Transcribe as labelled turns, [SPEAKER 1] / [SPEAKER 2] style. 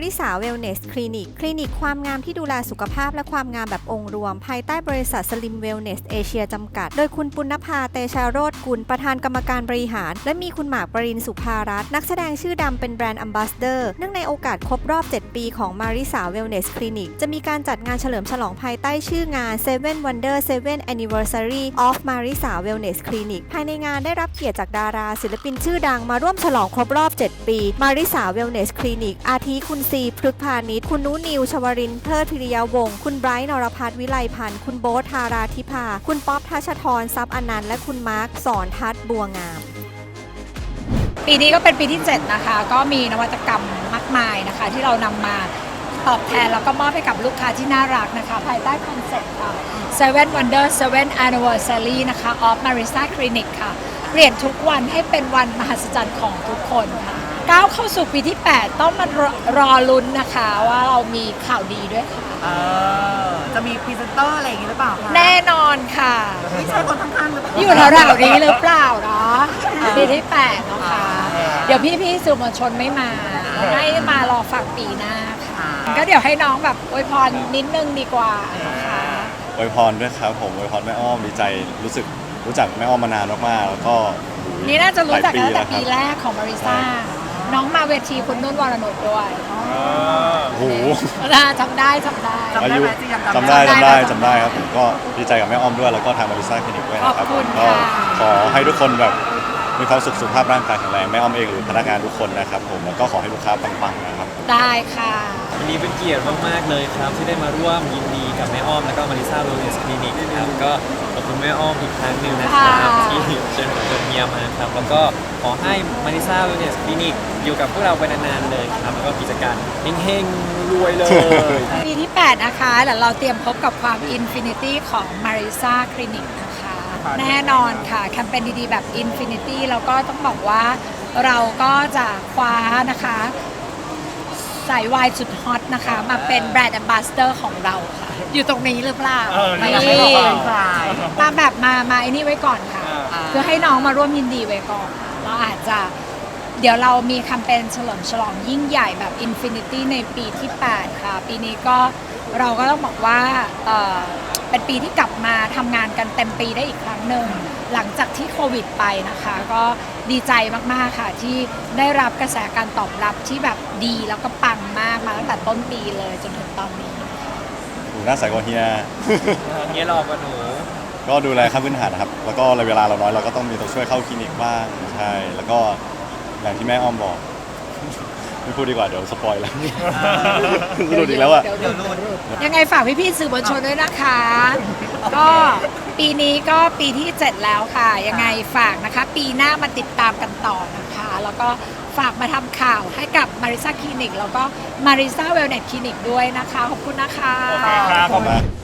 [SPEAKER 1] ริสาเวลเนสคลินิกความงามที่ดูแลสุขภาพและความงามแบบองค์รวมภายใต้บริษัทสลิมเวลเนสเอเชียจำกัดโดยคุณปุณณภาเตชาโรจน์กุลประธานกรรมการบริหารและมีคุณหมากปรินสุภารัตน์นักแสดงชื่อดังเป็นแบรนด์แอมบาสเดอร์เนื่องในโอกาสครบรอบ7ปีของมาริสาเวลเนสคลินิกจะมีการจัดงานเฉลิมฉลองภายใต้ชื่องาน Seven Wonder 7 Anniversary of Marisa Wellness Clinic ภายในงานได้รับเกียรติจากดาราศิลปินชื่อดังมาร่วมฉลองครบรอบ7ปีมาริสาเวลเนสคลินิกอาทิคุณซีพฤกษ์พาณิชย์คุณนุนิวชวรินทร์เพลิดพิริยวงศ์คุณไบรท์นรพัฒน์วิไลพันธ์คุณโบ๊ทธาราธิภาคุณป๊อปทัชธรทรัพย์อนันต์และคุณมาร์คสอนทัศน์บัวงาม
[SPEAKER 2] ปีนี้ก็เป็นปีที่7นะคะก็มีนวัตกรรมมากมายนะคะที่เรานำมาตอบแทนแล้วก็มอบให้กับลูกค้าที่น่ารักนะคะภายใต้คอนเซ็ปต์ค่ะ Seven Wonder 7 Anniversary นะคะ of Marisa Clinic ค่ะเปลี่ยนทุกวันให้เป็นวันมหัศจรรย์ของทุกคนค่ะก้าวเข้าสู่ปีที่8ต้องมารอลุ้นนะคะว่าเรามีข่าวดีด้วยค่ะ
[SPEAKER 3] จะมีพรีเซนเตอร์อะไรอย่างงี้หรือเปล่าคะ
[SPEAKER 2] แน่นอนค่ะ
[SPEAKER 3] ไม่ใช่คนข้างๆหรือเปล่า
[SPEAKER 2] อยู่แถวๆนี้หรือเปล่าเนาะปีที่8เนาะค่ะเดี๋ยวพี่ๆสื่อมวลชนไม่มาให้มารอฟังปีหน้าค่ะก็เดี๋ยวให้น้องแบบอวยพรนิดนึงดีกว่าค่ะ
[SPEAKER 4] อวยพรด้วยครับผมอวยพรแม่อ้อมดีใจรู้จักแม่อ้อมมานานมากๆแล้วก็
[SPEAKER 2] นี่น่าจะรู้จักตั้งแต่ปีแรกของมาริซ่าน้องมาเวทีคุณนุ่นวรนุชด้วย
[SPEAKER 4] โอ้โห
[SPEAKER 2] จำได้
[SPEAKER 4] อายุจำได้ครับผมก็ดีใจกับแม่อ้อมด้วยแล้วก็ทางมาริซ่าคลินิกด้วยนะครับก็ขอให้ทุกคนแบบมีความสุขภาพร่างกายแข็งแรงแม่อ้อมเองหรือพนักงานทุกคนนะครับผมแล้วก็ขอให้ลูกค้าปังๆนะครับ
[SPEAKER 2] ได้ค่ะ
[SPEAKER 5] วันนี้เป็นเกียรติมากๆเลยครับที่ได้มาร่วมยินดีกับแม่อ้อมแล้วก็มาริซ่าเวลเนสคลินิกครับก็ขอบคุณแม่อ้อมอีกครั้งหนึ่งนะครับที่เชิญเมียมาครับแล้วก็ขอให้มาริซ่าเวลเนสคลินิกอยู่กับพวกเราไปนานๆเลยครับแล้วก็กิจการเฮงๆรวยเลย
[SPEAKER 2] ปีที่8นะคะแล้วเราเตรียมพบกับความอินฟินิตี้ของมาริซ่าคลินิกนะคะแน่นอนค่ะแคมเปญดีๆแบบอินฟินิตี้แล้วก็ต้องบอกว่าเราก็จะคว้านะคะสายวายสุดฮอตนะคะมาเป็นแบรนด์แอมบาสเดอร์ของเราค่ะอยู่ตรงนี้หรือเปล่ามาแบบมาไอ้นี่ไว้ก่อนค่ะเพื่อให้น้องมาร่วมยินดีไว้ก่อนเราอาจจะเดี๋ยวเรามีแคมเปญเฉลิมฉลองยิ่งใหญ่แบบ Infinity ในปีที่8ค่ะปีนี้ก็เราก็ต้องบอกว่าเป็นปีที่กลับมาทำงานกันเต็มปีได้อีกครั้งหนึ่งหลังจากที่โควิดไปนะคะก็ดีใจมากๆค่ะที่ได้รับกระแสการตอบรับที่แบบดีแล้วก็ปังมากมาตั้งแต่ต้นปีเลยจนถึงตอนนี้
[SPEAKER 4] หน้าใสกว่าเฮีย
[SPEAKER 5] เฮียหลอกกว่าหนู
[SPEAKER 4] ก็ดูแลขั้นพื้นฐานนะครับแล้วก็เวลาเราน้อยเราก็ต้องมีตัวช่วยเข้าคลินิกบ้างใช่แล้วก็อย่างที่แม่อ้อมบอกไม่พูดดีกว่าเดี๋ยวสปอยแล้วหลุดอีกแล้วอะ
[SPEAKER 2] ยังไงฝากพี่ๆสื่อมวลชนด้วยนะคะก็ปีนี้ก็ปีที่7แล้วค่ะยังไงฝากนะคะปีหน้ามาติดตามกันต่อนะคะแล้วก็ฝากมาทำข่าวให้กับมาริซ่าคลินิกแล้วก็มาริซ่าเวลเนสคลินิกด้วยนะคะขอบคุณนะคะ
[SPEAKER 4] ขอบคุณ